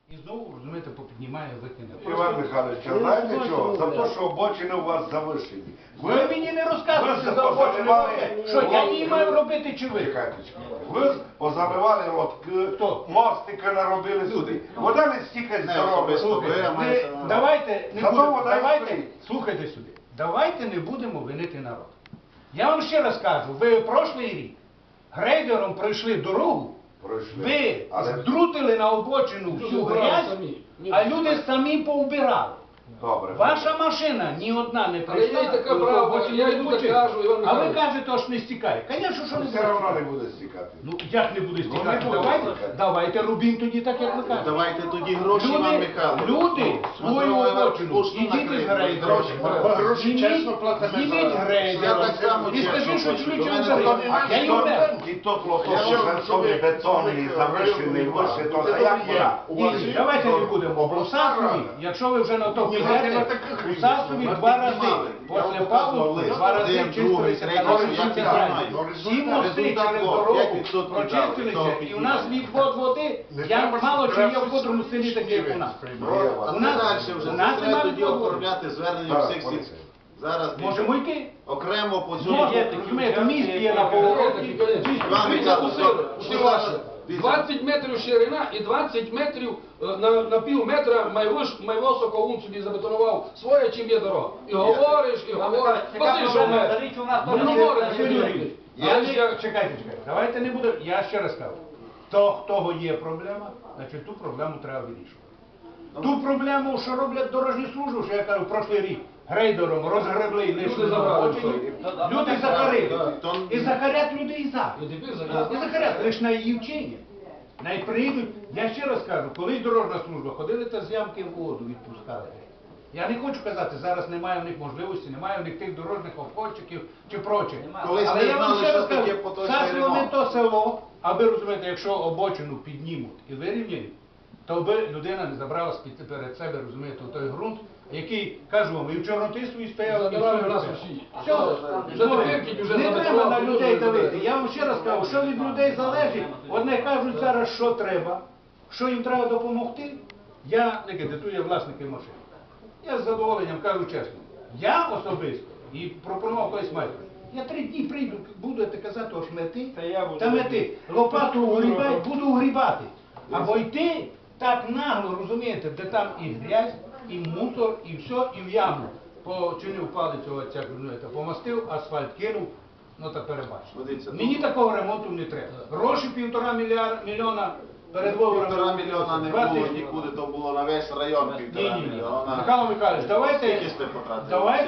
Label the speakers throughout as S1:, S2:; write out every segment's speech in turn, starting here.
S1: І знову, розумієте, попіднімає викине.
S2: Іван Михайлович, а знаєте чого? За те, що обочини у вас завишені.
S1: Ви мені не розказуєте за
S2: позаливали.
S1: що я не маю робити чи ви?
S2: Чекайте. Ви позаливали, от мостики наробили сюди. Вода не стікає з дороги.
S1: Давайте, не
S2: Зато
S1: будемо,
S2: вода і
S1: давайте,
S2: стоїть.
S1: слухайте сюди, давайте не будемо винити народ. Я вам ще раз кажу, ви прошлий рік грейдером пройшли дорогу,
S2: Пройшли.
S1: ви
S2: Але-
S1: здрутили на обочину всю грязь, а люди самі поубирали.
S2: Добре.
S1: Ваша машина ні одна не
S3: Але
S1: прийшла.
S3: є така
S1: коли
S3: правда,
S1: обочину
S3: я
S1: не
S3: йду
S1: почистили.
S3: так кажу, Іван
S1: А ви
S3: Михайлович.
S1: кажете, аж не стікає. Звісно, що не
S2: Все одно не буде стікати.
S1: Ну, як не буде стікати?
S2: буде
S1: Давайте,
S2: стікати.
S1: давайте робіть тоді так, як ви кажете.
S4: Давайте тоді гроші, Іван Михайлович.
S1: Люди свою обочину, ідіть із грейдером.
S2: Гроші чесно платимо.
S1: Зніміть
S4: Я
S1: грейдером.
S4: так само
S1: І скажи,
S4: чесно
S1: що
S4: плачу.
S1: ключом
S4: До мене
S1: заберуть.
S4: то
S1: Я їм беру.
S2: І то плохо, що жаркові бетонні, завишені, вище, то а як вона?
S1: Ні, давайте не будемо. У Сасові, якщо ви вже на то підете, у Сасові 2 рази. Після павлу 2 рази чистилися канали. 7 мости через дорогу прочистилися, і у нас відвод води, я мало чи є в котрому селі таке, як у нас.
S4: А
S1: У
S4: це
S1: нас-
S4: далі вже
S1: у нас
S4: треба
S1: немає
S4: тоді
S1: відводу.
S4: оформляти звернення всіх сільських. Зараз
S1: Можемо йти?
S4: окремо по цьому.
S1: Можна, розумієте, міст є на повороті.
S4: Іван Михайлович,
S3: Все ваше. 20 метрів ширина і 20 метрів на пів метра майво Соколун собі забетонував своє, чим є дорога. І говориш, і говориш. Посиш, що ми. Ну, говориш,
S1: Юрій, чекайте, давайте не будемо, я ще раз кажу, в того є проблема, значить ту проблему треба вирішувати. Ту проблему, що роблять дорожні служби, що я кажу, прошлий рік, грейдером розгребли і лишили на
S3: забрали
S1: обочині,
S3: все.
S1: люди захарили.
S4: То-
S1: І захарять людей за.
S3: І тепер
S1: І
S3: зараз.
S1: захарять, лише на її вчення. Навіть приїдуть, я ще раз кажу, колись дорожна служба, ходили та з ямки в воду відпускали. Я не хочу казати, зараз немає в них можливості, немає в них тих дорожніх обходчиків чи прочих.
S4: Колись
S1: Але
S4: ми
S1: я вам
S4: знали,
S1: ще
S4: що
S1: раз
S4: таке
S1: кажу,
S4: поточний
S1: Сасово не
S4: ремонт.
S1: то село, а ви розумієте, якщо обочину піднімуть і вирівняють, то би людина не забрала перед себе, розумієте, той ґрунт, який, кажу вам, і в Чорнотисові стояв, і в
S3: Забирали
S1: цьому
S3: нас
S1: стояв.
S3: усі.
S1: Все,
S3: Вже тепер кінь уже
S1: не
S3: забрали,
S1: треба на
S3: люди
S1: людей
S3: вже
S1: давити.
S3: забрали.
S1: Я вам ще раз кажу, що від людей залежить. Одне кажуть зараз, що треба, що їм треба допомогти. Я не кредитую власники машин. Я з задоволенням кажу чесно. Я особисто, і пропонував колись майстру, я 3 дні прийду, будете казати, ось мети, та мети, лопату угрібай, буду угрібати. Або йти так нагло, розумієте, де там і грязь, і мусор, і все, і в яму. Починив палицю, оця, розумієте, помастив, асфальт кинув, ну та перебачте.
S4: Дивіться,
S1: Мені такого ремонту не треба. Гроші 1,5 мільйона перед виборами.
S4: 1,5 мільйона не
S1: 20
S4: було нікуди, то було на весь район 1,5
S1: Ні.
S4: мільйона.
S1: Михайло Михайлович,
S4: Скільки сте потратили?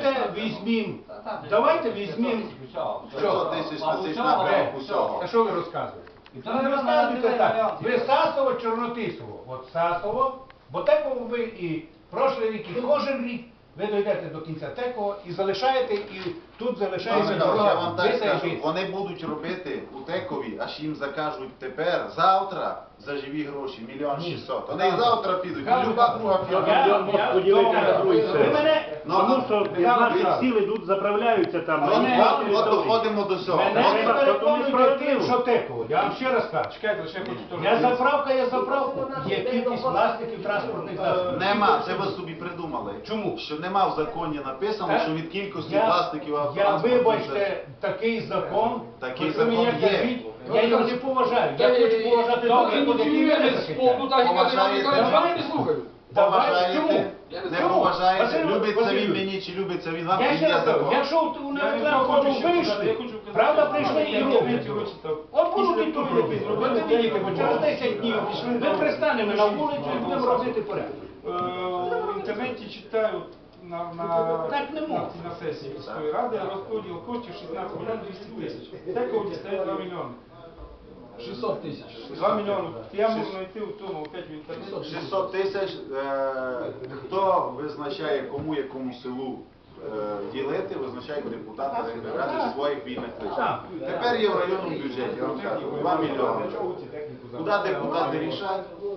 S1: давайте візьмім,
S4: 500 тисяч на цей напрямок усього.
S1: а що ви розказуєте? Ви розказуєте так, ви Сасово, Чорнотисово, от Сасово, бо Теково ви і прошлий рік, і кожен рік ви дійдете до кінця Теково і залишаєте, і тут залишається
S4: Я вам
S1: дорога.
S4: так скажу,
S1: Витягти.
S4: вони будуть робити у Текові, аж їм закажуть тепер, завтра, за живі гроші, 1 600 000. Вони і завтра підуть, і люба друга фірма.
S5: Поділити на другий
S1: Ви
S5: сектор.
S1: мене,
S5: Тому що
S1: Михайло
S5: 15
S1: Михайлович,
S5: сіл ідуть, заправляються там.
S4: От доходимо до цього.
S1: мене не
S5: Треба,
S1: переконуйте
S5: справедливо.
S1: тим, що Теково. Я вам ще раз кажу.
S3: Чекайте, ще хочу теж.
S1: Я заправка. Є кількість власників транспортних засобів.
S4: Нема, це ви собі придумали.
S1: Чому?
S4: Що нема в законі написано, що від кількості власників
S1: Я,
S4: автотранспортних
S1: вибачте, такий закон,
S4: Такий
S1: от ви мені
S4: закон є.
S1: кажіть, я його не поважаю. Я хочу поважати
S3: Добре,
S1: той закон, який
S3: ініціює
S1: мене
S3: з
S1: захищає.
S3: полку, так і каже, Іван
S4: Поважаєте?
S3: Михайлович, я не слухаю.
S1: Давай, чому?
S4: Поважаєте, не
S1: Чому?
S4: поважаєте,
S1: Василь
S4: любиться він
S1: Васильович,
S4: мені чи любиться він вам,
S1: Я
S4: він
S1: ще
S4: є
S1: раз кажу,
S4: закон.
S1: якщо на рекламу вийшли, правда, прийшли і роблять. От будуть і тут робити. Ви не видите, бо через 10 днів ми пристанемо на вулицю і будемо робити порядок.
S6: В інтернеті читаю
S1: Так не можна.
S6: на сесії міської ради розподіл коштів 16 мільйонів 200 тисяч. Теково дістає 2 мільйони.
S3: 600 тисяч.
S6: 2 мільйони. Я можу знайти в тому опять в інтернеті.
S4: 600 тисяч, хто визначає, кому якому селу ділити, визначають депутати ради своїх вільних лишень.
S1: Так.
S4: Тепер є в районному бюджеті, я вам кажу, 2 мільйони. Куди депутати рішать,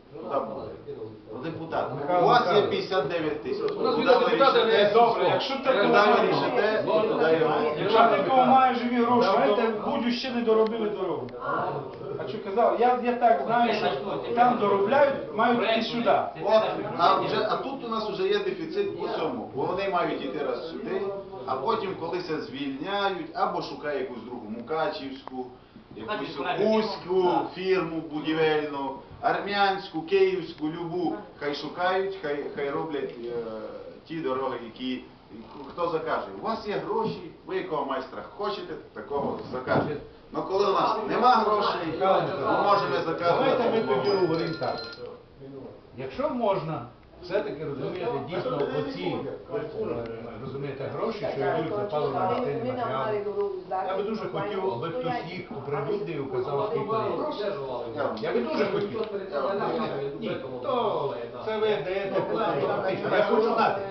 S4: Куди буде? Ну, депутат. У вас є 59 тисяч.
S3: У нас
S4: Куди
S3: біля
S4: ви
S3: депутата
S4: рішите?
S3: не
S6: Добре, якщо
S4: Куди
S6: такого
S4: ви рішите, туди його.
S6: якщо такого має живі гроші, то будь ще не доробили дорогу. А що казав, я так знаю, що там доробляють, мають йти сюди.
S4: От, а тут у нас вже є дефіцит по цьому. Бо вони мають йти раз сюди, а потім колися звільняють, або шукає якусь другу Мукачівську, якусь Кузьку фірму будівельну, армянську, київську, любу. Хай шукають, хай роблять ті дороги, які хто закаже. У вас є гроші, ви якого майстра хочете, такого закажете. Але коли у нас нема грошей, ми можемо
S1: Давайте ми тоді
S4: заказувати.
S1: говоримо так. Якщо можна, все-таки розумієте, дійсно оці, розумієте, гроші, що йдуть за паливно-мастильні матеріали, я би дуже хотів, аби хтось їх оприлюднив і указав, скільки є. Я би дуже хотів. Ні, то це ви даєте план, я хочу знати.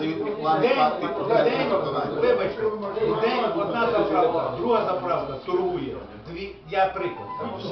S1: Вибачте, в день одна заправка, друга заправка торгує. Я приклад.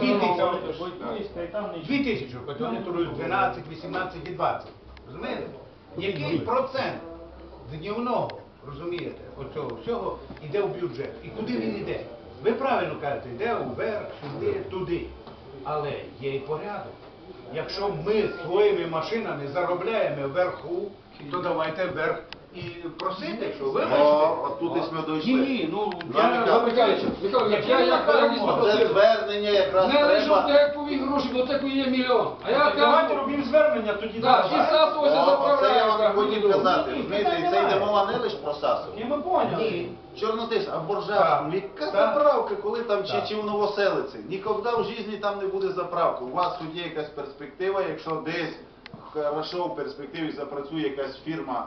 S1: 2 тисячі, хоч вони торгують 12, 18 і 20. Розумієте? Який процент днівного, розумієте, оцього всього йде в бюджет? І куди він йде? Ви правильно кажете, йде вверх, сюди, туди. Але є і порядок. Якщо ми своїми машинами заробляємо вверху, то давайте вверх і просити, що вибачте.
S4: От тут і ми дійшли.
S1: Ні, ну,
S3: Михайлович, я якісь
S4: Це
S3: попросив.
S4: звернення якраз
S3: Не лише в
S4: треба.
S3: текові гроші, бо теку є мільйон. А я
S6: Давайте
S3: кажу,
S6: робимо звернення тоді.
S3: так,
S6: давай.
S3: і САС ось
S4: Оце я
S3: заправляє.
S4: вам хотів казати. Розумієте, і це йде мова не лише про САСу.
S6: Ні, ми поняли.
S4: Чорнотис, а Боржавську,
S1: Так.
S4: яка
S1: Так.
S4: заправка, коли там
S1: Так.
S4: чи в Новоселиці? Ніколи в житті там не буде заправки. У вас тут є якась перспектива, якщо десь хорошо в перспективі запрацює якась фірма,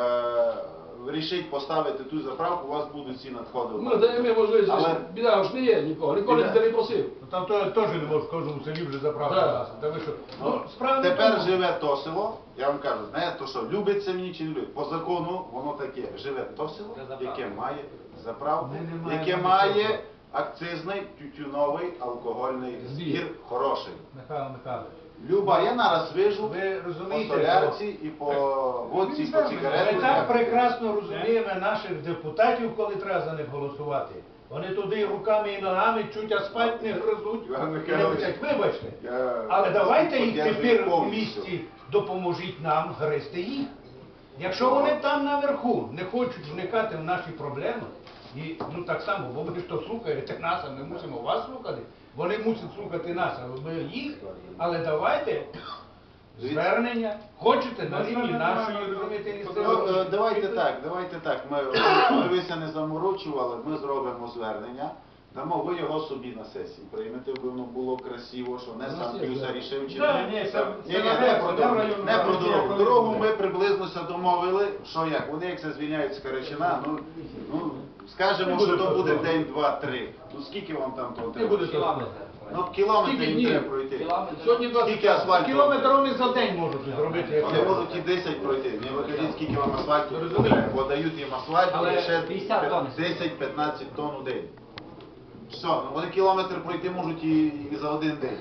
S4: рішить поставити ту заправку, у вас будуть ці надходи.
S3: Ми даємо можливість,
S4: Але-
S3: біда ж не є нікого, ніколи ніхто не просив.
S1: Ну, там теж не може в кожному селі вже заправка.
S3: Да.
S1: Та ви що? Ну, справа не в
S4: Тепер
S1: тому.
S4: живе то село, я вам кажу, знаєте, то що, любиться мені чи не любить? По закону воно таке, живе то село, яке має заправку,
S1: Ми не
S4: яке
S1: маємо
S4: має
S1: нічого.
S4: акцизний тютюновий алкогольний збір хороший.
S1: Михайло Михайлович.
S4: Люба, я нараз вижу
S1: Ви
S4: по
S1: розумієте,
S4: солярці і по водці, і по
S1: Ми
S4: сигаретах.
S1: так прекрасно розуміємо наших депутатів, коли треба за них голосувати. Вони туди руками і ногами чуть асфальт не гризуть.
S4: Іван
S1: і не
S4: Михайлович,
S1: кричать, вибачте.
S4: я
S1: Але давайте їх
S4: підтримую
S1: тепер в
S4: повністю.
S1: місті допоможіть нам гризти їх. Якщо вони там наверху не хочуть вникати в наші проблеми, і ну так само, бо ви ж то слухаєте нас, а ми мусимо вас слухати. Вони мусять слухати нас, а ми їх. Але давайте звернення. Хочете на рівні нашої, розумієте, місцевої.
S4: Давайте так. Ми вися не заморочували, ми зробимо звернення. Дамо ви його собі на сесії. Приймете, бо воно було красиво, що не сам Пюса рішив чи
S6: Да, ні, це
S4: Ні, не
S6: наверх,
S4: про
S6: це
S4: дорогу.
S6: районна
S4: Не про
S6: комісія,
S4: дорогу.
S6: коли
S4: Дорогу
S6: буде.
S4: ми приблизно домовили, що як. Вони як це звільняють з Карачина, ну скажемо, що то буде день, два, три. Ну скільки вам там того
S3: Не
S4: треба?
S3: буде того.
S4: Ну кілометри
S3: Скільки
S4: їм
S3: днів?
S4: треба пройти.
S3: Сьогодні 20.
S4: Скільки асфальту?
S1: Кілометр вони за день можуть зробити. як
S4: Вони
S1: треба.
S4: можуть і 10 пройти. Не ви кажіть, скільки вам асфальту
S1: Розумію.
S4: треба, бо дають їм асфальт
S1: Але
S4: і ще
S1: 50 тонн.
S4: 10-15 тонн у день. Все, ну вони кілометр пройти можуть і за один день.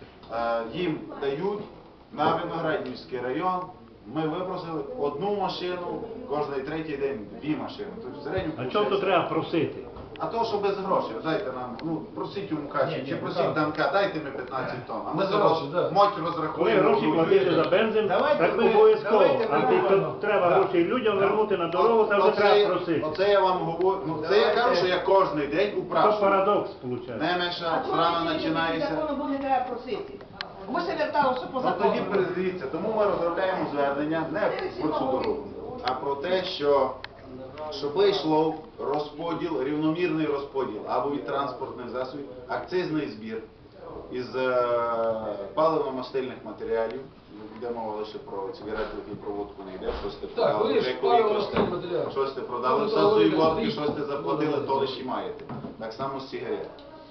S4: Їм дають на Виноградівський район. Ми випросили одну машину, кожний третій день 2 машини. Тобто в середньому
S5: А чому то
S4: виходить-
S5: треба просити?
S4: А то, що без грошей, дайте нам, ну, просіть у Мукачі,
S1: Ні,
S4: чи
S1: ні,
S4: просіть
S1: так.
S4: Данка, дайте ми 15 тонн. А ми
S3: Без
S4: за
S3: грошей, да.
S4: моть
S5: Коли
S4: розрахуємо.
S5: гроші платити за бензин,
S1: Давайте
S5: так
S1: ми-
S5: обов'язково.
S1: давайте
S5: А
S1: ми
S5: ти
S1: говоримо.
S5: треба
S1: Так.
S5: гроші людям вернути на дорогу, це вже треба просити.
S4: Оце я вам говорю, ну це я кажу, що я кожен день
S5: Це
S4: упрашую.
S5: парадокс, виходить.
S4: Немеша, зрано починається.
S7: Закону буде треба просити. Ми ще верталося по
S4: Ну тоді
S7: закону.
S4: передивіться, тому ми розробляємо звернення не про цю дорогу, а про те, що щоб йшло розподіл, рівномірний розподіл або від транспортних засобів, акцизний збір із паливно-мастильних матеріалів. Йде мова лише про цигарети і проводку не йде, щось ти
S3: Так,
S4: продали,
S3: ви ж
S4: деякові
S3: паливно-мастильні
S4: трошки,
S3: матеріали.
S4: щось ти продали
S3: Ну,
S4: в
S3: то
S4: сасу і
S3: ви
S4: водки,
S3: рік.
S4: щось ти заплатили, то лише і маєте. Так само з сигарет.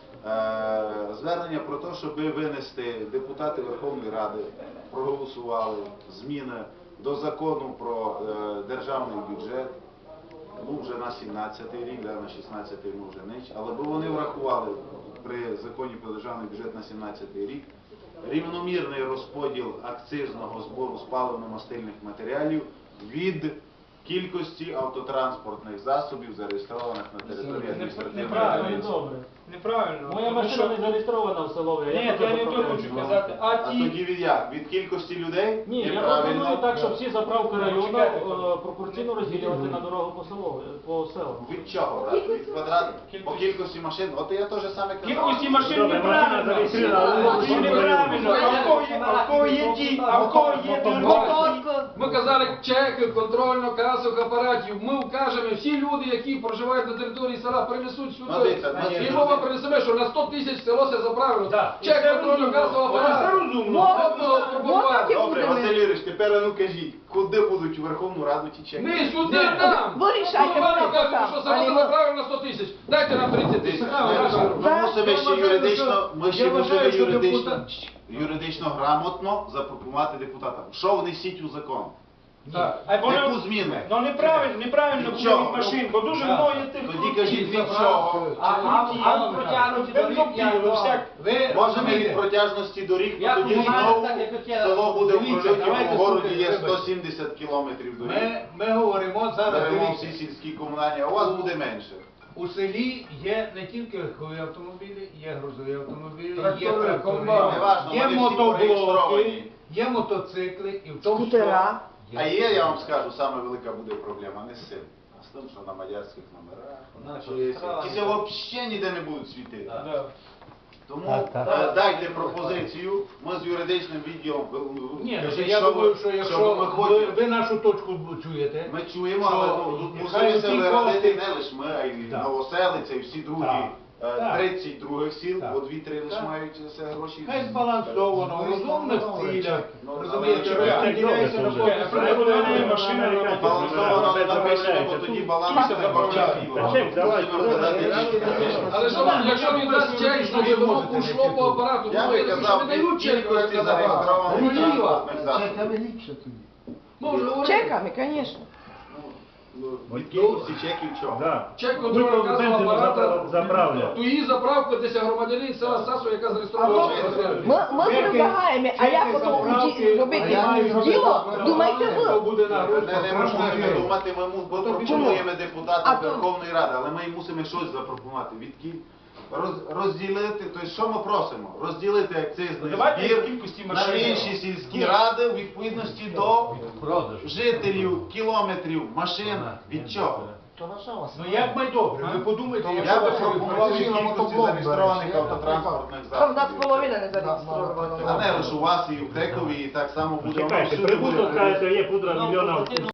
S4: Звернення про те, щоб винести депутати Верховної Ради, проголосували зміни до закону про державний бюджет, ну вже на 17-й рік, да, на 16-й ми вже не, але б вони врахували при законі про державний бюджет на 17-й рік рівномірний розподіл акцизного збору з паливно-мастильних матеріалів від кількості автотранспортних засобів, зареєстрованих на території адміністративної
S6: Неправильно.
S4: одиниці.
S6: Неправильно.
S5: Моя
S6: Тому
S5: машина
S6: що-
S5: не зареєстрована в селові.
S6: Ні, я не то хочу казати. А
S4: А
S6: ті,
S4: тоді від як? Від кількості людей?
S5: Ні, я
S4: Неправильно.
S5: пропоную так, щоб всі заправки району
S6: Чекайте.
S5: пропорційно розділювати на дорогу по селам.
S4: Від чого брати? Від квадрат? По кількості машин? От я теж саме казав.
S6: кількості машин
S5: Добре, машина
S6: неправильно.
S5: зареєстрована,
S6: Це неправильно. А в кого є ті, а в кого є
S3: Ми казали чеки контрольно-касових апаратів. Ми вкажемо, всі люди, які проживають на території села, принесуть
S4: Ну,
S3: сюди.
S4: дивіться, значить,
S3: І мова принесемо, що на 100 тисяч село все заправило.
S1: Так.
S3: Чек
S6: Це
S3: контрольно-касового
S6: розумно. Це
S3: апарату.
S6: розумно.
S3: Пропонувати.
S4: Добре, Василь Юрійович, тепер ну кажіть, куди будуть у Верховну Раду ті чеки?
S3: Ми сюди нам.
S7: Ви рішайте,
S3: Голова
S7: хто
S3: каже,
S7: там,
S3: що
S7: а
S3: село
S7: не
S3: все
S7: ви.
S3: заправило на 100 тисяч. Дайте нам 30 тисяч.
S4: Ми мусимо ще юридично, ми ще
S1: Я
S4: мусимо
S1: вважаю, що
S4: юридично грамотно запропонувати депутатам. Що внесіть у закон?
S3: Так.
S6: А воно-
S4: Яку зміну?
S6: Ну неправильно
S4: Від
S6: буде
S4: чого?
S6: від машин, бо дуже
S1: Так.
S6: много тих
S4: Тоді кажіть від чого?
S1: А протягнути до
S6: Бензопіли, всяк.
S4: Може не від протяжності доріг,
S1: Я
S4: бо тоді
S1: знаю,
S4: знову
S1: так, як я-
S4: село буде в
S1: Дивіться,
S4: прольоті,
S1: давайте
S4: бо в городі є
S1: слухайте,
S4: 170 кілометрів доріг.
S1: Ми говоримо зараз,
S4: Беремо
S1: дивіться,
S4: всі сільські комунальні, а у вас буде менше.
S1: у селі є не тільки легкові автомобілі, є грузові автомобілі, є
S3: Трактори,
S1: трактори,
S3: комбайни.
S4: Неважно,
S1: є
S4: вони всі
S1: мотоблоки,
S4: зареєстровані.
S1: є мотоцикли і в тому
S7: Скутера.
S4: А є, я вам скажу, саме велика буде проблема не з цим, а з тим, що на мадярських номерах, ті взагалі ніде не будуть світити. Тому дайте пропозицію, ми з юридичним відділом,
S1: Ні,
S4: кажіть,
S1: я
S4: що
S1: думаю,
S4: ви-
S1: що
S4: що
S1: якщо
S4: ми хочемо.
S1: ви нашу точку чуєте,
S4: Ми чуємо,
S1: що
S4: але ну, тут
S1: нехай
S4: мусимо
S1: ті
S4: вирадити
S1: кошти-
S4: не лише ми, а й
S1: Так.
S4: Новоселиця і всі другі
S1: Так. Так.
S4: 30 других сіл,
S1: Так.
S4: бо 2-3 лише
S1: Так.
S4: мають це гроші.
S1: хай збалансовано, в розумних цілях,
S4: Ну,
S1: розумієте,
S4: але чого?
S1: розподіляється на
S6: Прибудована машина на
S4: Балансовано не напишемо, бо тоді баланс не
S5: Та чек, давай,
S3: Але що, якщо він дасть чек, значить воно ушло по апарату.
S4: Я
S3: Ну,
S4: би
S3: якщо
S4: казав,
S3: не дають чек, то
S4: кількості
S3: це
S4: зареєстрованих
S3: Руїва.
S4: транспортних засобів.
S3: Ми вже говорили.
S7: Чеками, звісно.
S4: Від кількості чеків чого?
S5: Да.
S3: Чек
S5: Ми
S3: контрольно-касового
S5: бензину
S3: апарата.
S5: заправляємо.
S3: То її заправка десь громадянин села Сасу, яка зареєстрована.
S7: Ми предлагаємо, а як потім робити діло, думайте ви.
S1: буде
S4: Не можемо думати, ми пропонуємо депутатам Верховної Ради, але ми мусимо щось запропонувати. Розділити, тобто що ми просимо? Розділити акцизний
S6: Давайте
S4: збір
S6: кількості
S4: на
S6: машин.
S4: інші сільські ради у відповідності до жителів, кілометрів, машин. Від чого?
S1: Ну як ми добре, ви подумайте,
S4: Я би
S1: якщо
S4: пропонував від кількості зареєстрованих автотранспортних
S7: Там у нас
S4: засобів.
S7: половина не
S4: А
S7: зареєстрована.
S4: не лише у вас і в Текові, і так само буде воно
S5: Чекайте,
S4: всюди буде.
S5: прибуток, кажете, є пудра мільйона